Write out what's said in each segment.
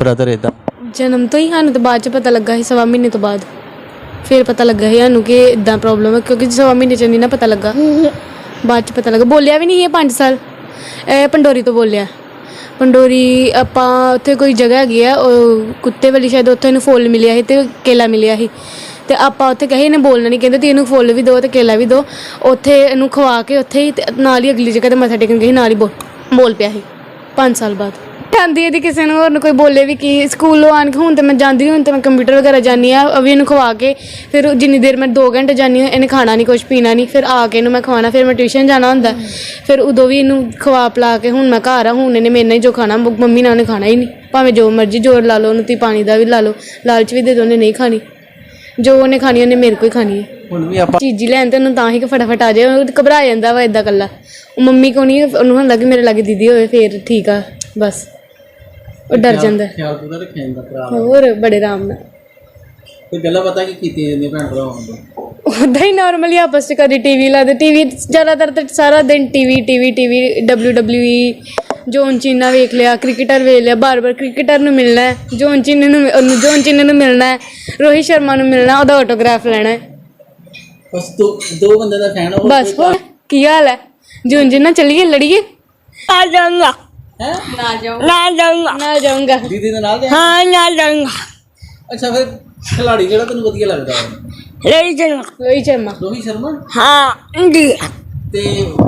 Brother ਇਦਾਂ? ਜਨਮ ਤੋਂ ਹੀ ਸਾਨੂੰ ਤਾਂ ਬਾਅਦ ਚ ਪਤਾ ਲੱਗਾ ਸੀ, 1.25 ਮਹੀਨੇ ਤੋਂ ਬਾਅਦ ਫਿਰ ਪਤਾ ਲੱਗਾ ਸੀ ਸਾਨੂੰ ਕਿ ਇਦਾਂ ਪ੍ਰੋਬਲਮ ਹੈ, ਕਿਉਂਕਿ 1.25 ਮਹੀਨੇ ਚ ਨਹੀਂ ਨਾ ਪਤਾ ਲੱਗਾ, ਬਾਅਦ ਚ ਪਤਾ ਲੱਗਾ। ਬੋਲਿਆ ਵੀ ਨਹੀਂ ਇਹ 5 ਸਾਲ। ਇਹ ਪੰਡੋਰੀ ਤੋਂ ਬੋਲਿਆ। ਪੰਡੋਰੀ ਆਪਾਂ ਉੱਥੇ ਕੋਈ ਜਗ੍ਹਾ ਹੈਗੀ ਆ ਉਹ ਕੁੱਤੇ ਵਾਲੀ, ਸ਼ਾਇਦ ਉੱਥੇ ਇਹਨੂੰ ਫੁੱਲ ਮਿਲਿਆ ਸੀ ਅਤੇ ਕੇਲਾ ਮਿਲਿਆ ਸੀ, ਅਤੇ ਆਪਾਂ ਉੱਥੇ ਕਹੇ ਇਹਨੇ ਬੋਲਣਾ ਨਹੀਂ, ਕਹਿੰਦੇ ਤੁਸੀਂ ਇਹਨੂੰ ਫੁੱਲ ਵੀ ਦਿਓ ਅਤੇ ਕੇਲਾ ਵੀ ਦਿਓ। ਉੱਥੇ ਇਹਨੂੰ ਖਵਾ ਕੇ ਉੱਥੇ ਹੀ ਨਾਲ ਹੀ ਅਗਲੀ ਜਗ੍ਹਾ 'ਤੇ ਮੱਥਾ ਟੇਕਣ ਗਏ ਸੀ, ਨਾਲ ਹੀ ਬੋਲ ਪਿਆ ਸੀ 5 ਸਾਲ ਬਾਅਦ। ਆਉਂਦੀ ਇਹਦੀ ਕਿਸੇ ਨੂੰ ਹੋਰ ਨੂੰ ਕੋਈ ਬੋਲੇ ਵੀ ਕੀ, ਸਕੂਲੋਂ ਆਣ ਕੇ ਹੁਣ ਤਾਂ ਮੈਂ ਜਾਂਦੀ, ਹੁਣ ਤਾਂ ਮੈਂ ਕੰਪਿਊਟਰ ਵਗੈਰਾ ਜਾਂਦੀ ਹਾਂ, ਅਭੀ ਇਹਨੂੰ ਖਵਾ ਕੇ ਫਿਰ ਜਿੰਨੀ ਦੇਰ ਮੈਂ 2 ਘੰਟੇ ਜਾਂਦੀ ਹਾਂ ਇਹਨੇ ਖਾਣਾ ਨਹੀਂ, ਕੁਛ ਪੀਣਾ ਨਹੀਂ, ਫਿਰ ਆ ਕੇ ਇਹਨੂੰ ਮੈਂ ਖਵਾਉਣਾ, ਫਿਰ ਮੈਂ ਟਿਊਸ਼ਨ ਜਾਣਾ ਹੁੰਦਾ, ਫਿਰ ਉਦੋਂ ਵੀ ਇਹਨੂੰ ਖਵਾ ਪਿਲਾ ਕੇ ਹੁਣ ਮੈਂ ਘਰ ਆ, ਹੁਣ ਇਹਨੇ ਮੇਰੇ ਨਾਲ ਹੀ ਜੋ ਖਾਣਾ, ਮੰਮੀ ਨਾਲ ਉਹਨੇ ਖਾਣਾ ਹੀ ਨਹੀਂ, ਭਾਵੇਂ ਜੋ ਮਰਜ਼ੀ ਜ਼ੋਰ ਲਾ ਲਓ ਉਹਨੂੰ, ਤੁਸੀਂ ਪਾਣੀ ਦਾ ਵੀ ਲਾ ਲਓ, ਲਾਲਚ ਵੀ ਦੇ ਦਿਓ, ਉਹਨੇ ਨਹੀਂ ਖਾਣੀ, ਜੋ ਉਹਨੇ ਖਾਣੀ ਉਹਨੇ ਮੇਰੇ ਕੋਲ ਹੀ ਖਾਣੀ ਹੈ। ਹੁਣ ਵੀ ਆਪਾਂ ਚੀਜ਼ੀ ਲੈਣ ਤੇ ਉਹਨੂੰ ਤਾਂ ਹੀ ਕਿ ਫਟਾਫਟ ਆ ਜਾਏ, ਉਹ ਘਬਰਾ ਜਾਂਦਾ ਵਾ ਇੱਦਾਂ ਇਕੱਲਾ, ਉਹ ਮੰਮੀ ਕੋਲ ਨਹੀਂ, ਉਹਨੂੰ ਹੁੰਦਾ ਕਿ ਮੇਰੇ ਲਾਗੇ ਦੀਦੀ ਹੋਵੇ ਫਿਰ ਠੀਕ ਆ, ਬਸ ਉਹ ਡਰ ਜਾਂਦਾ। ਖਿਆਲ ਪੂਰਾ ਰੱਖਿਆ ਜਾਂਦਾ ਭਰਾ, ਹੋਰ ਬੜੇ ਆਰਾਮ ਨਾਲ। ਕੋਈ ਗੱਲਾਂ ਪਤਾ ਕੀ ਕੀਤੀਆਂ ਜਾਂਦੀਆਂ ਭੈਣ ਭਰਾਵਾਂ ਨੂੰ? ਉੱਦਾਂ ਹੀ ਨੋਰਮਲੀ ਆਪਸ 'ਚ ਕਦੀ ਟੀਵੀ ਲਾਦੇ, ਟੀਵੀ ਜ਼ਿਆਦਾਤਰ ਤਾਂ ਸਾਰਾ ਦਿਨ ਟੀਵੀ WWE ਜੋਨ ਚੀਨਾ ਵੇਖ ਲਿਆ, ਕ੍ਰਿਕਟਰ ਵੇਖ ਲਿਆ, ਬਾਰ-ਬਾਰ ਕ੍ਰਿਕਟਰ ਨੂੰ ਮਿਲਣਾ ਹੈ, ਜੋਨ ਚੀਨੇ ਨੂੰ ਮਿਲਣਾ ਹੈ, ਰੋਹਿਤ ਸ਼ਰਮਾ ਨੂੰ ਮਿਲਣਾ, ਉਹਦਾ ਆਟੋਗ੍ਰਾਫ ਲੈਣਾ ਹੈ, ਬਸ ਦੋ ਬੰਦੇ ਦਾ ਫੈਨ ਹੋ ਬਸ। ਹੋਰ ਕੀ ਹਾਲ ਹੈ? ਜੋਨ ਚੀਨਾ ਚੱਲੀਏ ਲੜੀਏ? ਆ ਜਾਊਂਗਾ। ਹੈ ਨਾ ਜਾਊਂਗਾ ਦੀਦੀ ਦੇ ਨਾਲ ਹਾਂ ਨਾ ਜਾਊਂਗਾ। ਅੱਛਾ, ਫਿਰ ਖਿਲਾੜੀ ਕਿਹੜਾ ਤੈਨੂੰ ਵਧੀਆ ਲੱਗਦਾ ਹੈ? ਰੋਹਿਤ ਸ਼ਰਮਾ ਰੋਹਿਤ ਸ਼ਰਮਾ ਹਾਂ ਜੀ ਤੇ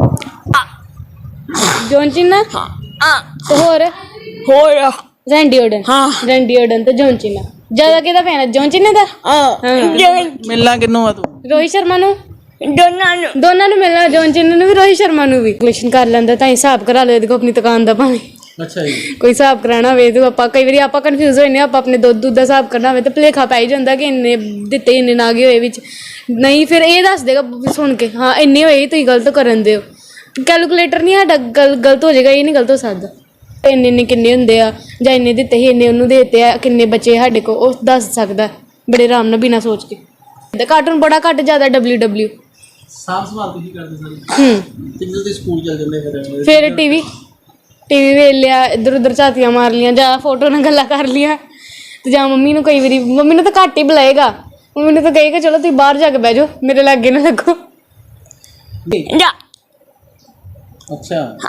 ਜੋਨ ਚੀਨਾ ਤੇ ਹੋਰ ਰੈਂਡੀ ਓਡਨ ਤੇ ਜੋਨ ਚੀਨਾ। ਜ਼ਿਆਦਾ ਕਿਹਦਾ ਫੈਨ ਹੈ? ਜੋਨ ਚੀਨਾ ਦਾ। ਮਿਲਣਾ ਕਿਹਨੂੰ ਆ ਤੂੰ? ਰੋਹਿਤ ਸ਼ਰਮਾ ਨੂੰ, ਦੋਨਾਂ ਨੂੰ ਮਿਲਣਾ, ਜੋਨ ਚੀਨਾ ਨੂੰ ਵੀ ਰੋਹਿਤ ਸ਼ਰਮਾ ਨੂੰ ਵੀ। ਕਲੈਕਸ਼ਨ ਕਰ ਲੈਂਦਾ ਤਾਂ ਹਿਸਾਬ ਕਰਾ ਲਓ ਇਹਦੇ ਕੋਲ ਆਪਣੀ ਦੁਕਾਨ ਦਾ, ਭਾਵੇਂ ਅੱਛਾ ਜੀ ਕੋਈ ਹਿਸਾਬ ਕਰਾਉਣਾ ਹੋਵੇ ਤੇ ਆਪਾਂ ਕਈ ਵਾਰੀ ਆਪਾਂ ਕਨਫਿਊਜ਼ ਹੋ ਜਾਂਦੇ, ਆਪਾਂ ਆਪਣੇ ਦੁੱਧ ਦਾ ਹਿਸਾਬ ਕਰਨਾ ਹੋਵੇ ਤਾਂ ਭੁਲੇਖਾ ਪੈ ਹੀ ਜਾਂਦਾ ਕਿ ਇੰਨੇ ਦਿੱਤੇ ਇੰਨੇ ਨਾ ਗਏ ਹੋਏ ਵਿੱਚ, ਨਹੀਂ ਫਿਰ ਇਹ ਦੱਸ ਦੇਗਾ ਸੁਣ ਕੇ, ਹਾਂ ਇੰਨੇ ਹੋਏ ਤੁਸੀਂ ਗਲਤ ਕਰਨ ਦਿਓ, ਕੈਲਕੂਲੇਟਰ ਨਹੀਂ ਸਾਡਾ ਗਲਤ ਹੋ ਜਾਏਗਾ, ਇਹ ਨਹੀਂ ਗਲਤ ਹੋ ਸਕਦਾ। ਇੰਨੇ ਕਿੰਨੇ ਹੁੰਦੇ ਆ, ਜਾਂ ਇੰਨੇ ਦਿੱਤੇ ਸੀ ਇੰਨੇ ਉਹਨੂੰ ਦੇ ਦਿੱਤੇ ਆ, ਕਿੰਨੇ ਬੱਚੇ ਸਾਡੇ ਕੋਲ, ਉਹ ਦੱਸ ਸਕਦਾ ਬੜੇ ਆਰਾਮ ਨਾਲ ਬਿਨਾਂ ਸੋਚ ਕੇ। ਕਾਰਟੂਨ ਬੜਾ ਘੱਟ, ਜ਼ਿਆਦਾ WWE। ਸਾਫ ਸਵਾਲ ਤੁਸੀਂ ਕਰਦੇ ਸਾਰੇ? ਕਿੰਨੇ ਦੇ ਸਕੂਲ ਚੱਲ ਜਾਂਦੇ ਫਿਰ ਟੀਵੀ ਵੇਖ ਲਿਆ, ਇੱਧਰ ਉੱਧਰ ਝਾਤੀਆਂ ਮਾਰ ਲੀਆਂ, ਜਾਂ ਫੋਟੋ ਨਾਲ ਗੱਲਾਂ ਕਰ ਲੀਆਂ, ਤੇ ਜਾਂ ਮੰਮੀ ਨੂੰ ਕਈ ਵਾਰੀ, ਮੰਮੀ ਨੂੰ ਤਾਂ ਘੱਟ ਹੀ ਬੁਲਾਏਗਾ, ਮੰਮੀ ਨੂੰ ਤਾਂ ਕਹੇਗਾ ਚਲੋ ਤੁਸੀਂ ਬਾਹਰ ਜਾ ਕੇ ਬਹਿ ਜਾਓ, ਮੇਰੇ ਲਾਗੇ ਨਾ ਲੱਗੋ। ਜਾ ਅੱਛਾ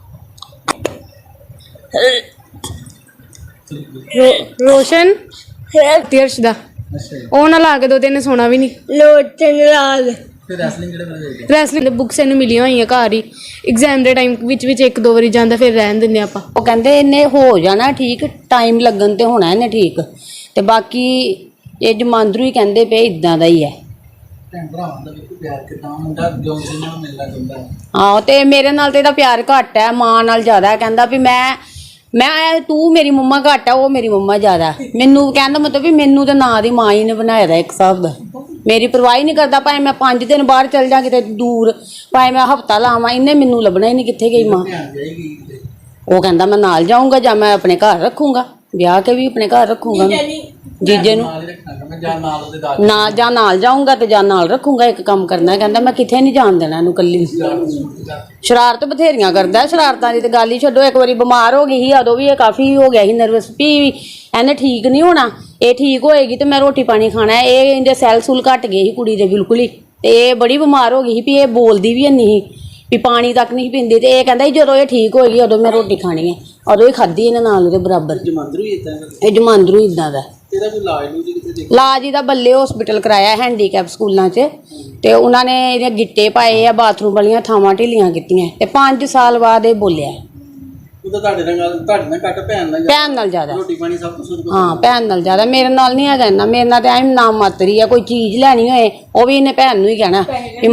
ਰੋਸ਼ਨ ਤੀਰਸ਼ ਦਾ ਉਹ ਨਾ ਲਾ ਕੇ ਦੋ, ਤੇ ਸੋਣਾ ਵੀ ਨਹੀਂ। ਲੋਟਨ ਲਾਲ ਫਿਰ ਰੈਸਲਿੰਗ ਕਿਹੜੇ ਵੇਲੇ ਦੇਖਦੇ? ਰੈਸਲਿੰਗ ਦੇ ਬੁੱਕਸ ਇਹਨੂੰ ਮਿਲੀਆਂ ਹੋਈਆਂ ਘਰ ਹੀ, ਐਗਜ਼ਾਮ ਦੇ ਟਾਈਮ ਵਿੱਚ 1-2 ਵਾਰੀ ਜਾਂਦਾ, ਫਿਰ ਰਹਿਣ ਦਿੰਦੇ ਆਪਾਂ। ਉਹ ਕਹਿੰਦੇ ਇਹਨੇ ਹੋ ਜਾਣਾ ਠੀਕ, ਟਾਈਮ ਲੱਗਣ ਤੇ ਹੋਣਾ ਇਹਨੇ ਠੀਕ, ਤੇ ਬਾਕੀ ਇਹ ਜਮਾਂਦਰੂ ਹੀ ਕਹਿੰਦੇ ਪਏ ਇਦਾਂ ਦਾ ਹੀ ਹੈ। ਭੈਣ ਭਰਾਵਾਂ ਦਾ ਵੀ ਪਿਆਰ ਕਿਦਾਂ ਹੁੰਦਾ, ਜੋਨ ਸਿੰਘ ਨਾਲ ਮਿਲਣਾ ਚਾਹੁੰਦਾ? ਹਾਂ, ਤੇ ਮੇਰੇ ਨਾਲ ਤੇ ਇਹਦਾ ਪਿਆਰ ਘੱਟ ਹੈ, ਮਾਂ ਨਾਲ ਜ਼ਿਆਦਾ। ਕਹਿੰਦਾ ਵੀ ਮੈਂ ਤੂੰ ਮੇਰੀ ਮੰਮਾ ਘੱਟ ਆ, ਉਹ ਮੇਰੀ ਮੰਮਾ ਜ਼ਿਆਦਾ। ਮੈਨੂੰ ਕਹਿੰਦਾ ਮਤਲਬ ਵੀ ਮੈਨੂੰ ਤਾਂ ਨਾਂ ਦੀ ਮਾਂ ਹੀ ਨੇ ਬਣਾਇਆ ਦਾ ਇੱਕ ਹਿਸਾਬ ਦਾ, ਮੇਰੀ ਪਰਵਾਹ ਹੀ ਨਹੀਂ ਕਰਦਾ, ਭਾਵੇਂ ਮੈਂ 5 ਦਿਨ ਬਾਹਰ ਚੱਲ ਜਾ ਕਿਤੇ ਦੂਰ, ਭਾਵੇਂ ਮੈਂ ਹਫ਼ਤਾ ਲਾਵਾਂ, ਇਹਨੇ ਮੈਨੂੰ ਲੱਭਣਾ ਹੀ ਨਹੀਂ ਕਿੱਥੇ ਗਈ ਮਾਂ। ਉਹ ਕਹਿੰਦਾ ਮੈਂ ਨਾਲ ਜਾਊਂਗਾ, ਜਾਂ ਮੈਂ ਆਪਣੇ ਘਰ ਰੱਖੂੰਗਾ, ਵਿਆਹ ਕੇ ਵੀ ਆਪਣੇ ਘਰ ਰੱਖੂੰਗਾ ਜੀਜੇ ਨੂੰ, ਨਾ ਜਾਂ ਨਾਲ ਜਾਊਂਗਾ ਤੇ ਜਾਂ ਨਾਲ ਰੱਖੂੰਗਾ। ਇੱਕ ਕੰਮ ਕਰਨਾ, ਕਹਿੰਦਾ ਮੈਂ ਕਿੱਥੇ ਨਹੀਂ ਜਾਣ ਦੇਣਾ ਇਹਨੂੰ ਇਕੱਲੀ। ਸ਼ਰਾਰਤ ਬਥੇਰੀਆਂ ਕਰਦਾ, ਸ਼ਰਾਰਤਾਂ ਦੀ ਤੇ ਗੱਲ ਹੀ ਛੱਡੋ। ਇੱਕ ਵਾਰੀ ਬਿਮਾਰ ਹੋ ਗਈ ਸੀ, ਉਦੋਂ ਵੀ ਇਹ ਕਾਫੀ ਹੋ ਗਿਆ ਸੀ ਨਰਵਸ, ਵੀ ਇਹਨੇ ਠੀਕ ਨਹੀਂ ਹੋਣਾ, ਇਹ ਠੀਕ ਹੋਏਗੀ ਤੇ ਮੈਂ ਰੋਟੀ ਪਾਣੀ ਖਾਣਾ। ਇਹ ਇਹਦੇ ਸੈੱਲ ਸੂਲ ਘੱਟ ਗਏ ਸੀ ਕੁੜੀ ਦੇ ਬਿਲਕੁਲ ਹੀ, ਤੇ ਇਹ ਬੜੀ ਬਿਮਾਰ ਹੋ ਗਈ ਸੀ, ਵੀ ਇਹ ਬੋਲਦੀ ਵੀ ਨਹੀਂ ਸੀ, ਵੀ ਪਾਣੀ ਤੱਕ ਨਹੀਂ ਪੀਂਦੀ, ਤੇ ਇਹ ਕਹਿੰਦਾ ਜਦੋਂ ਇਹ ਠੀਕ ਹੋਏਗੀ ਉਦੋਂ ਮੈਂ ਰੋਟੀ ਖਾਣੀ ਹੈ, ਉਦੋਂ ਹੀ ਖਾਧੀ ਇਹਨੇ ਨਾਲ ਉਹਦੇ ਬਰਾਬਰ। ਇਹ ਜਮਾਂਦਰੂ ਇਦਾਂ ਦਾ। ਇਲਾਜ ਇਹਦਾ ਬੱਲੇ ਹਸਪੀਟਲ ਕਰਾਇਆ, ਹੈਂਡੀਕੈਪ ਸਕੂਲਾਂ 'ਚ, ਤੇ ਉਹਨਾਂ ਨੇ ਇਹਦੇ ਗਿੱਟੇ ਪਾਏ ਆ, ਬਾਥਰੂਮ ਵਾਲੀਆਂ ਥਾਵਾਂ ਢਿੱਲੀਆਂ ਕੀਤੀਆਂ, ਤੇ 5 ਸਾਲ ਬਾਅਦ ਇਹ ਬੋਲਿਆ। ਭੈਣ ਨਾਲ ਜ਼ਿਆਦਾ, ਹਾਂ ਭੈਣ ਨਾਲ ਜ਼ਿਆਦਾ। ਮੇਰੇ ਨਾਲ ਨਹੀਂ ਹੈਗਾ ਇੰਨਾ, ਮੇਰੇ ਨਾਲ ਤਾਂ ਐਂ ਨਾਮ ਮਾਤਰੀ ਆ, ਕੋਈ ਚੀਜ਼ ਲੈਣੀ ਹੋਏ ਉਹ ਵੀ ਇਹਨੇ ਭੈਣ ਨੂੰ ਹੀ ਕਹਿਣਾ।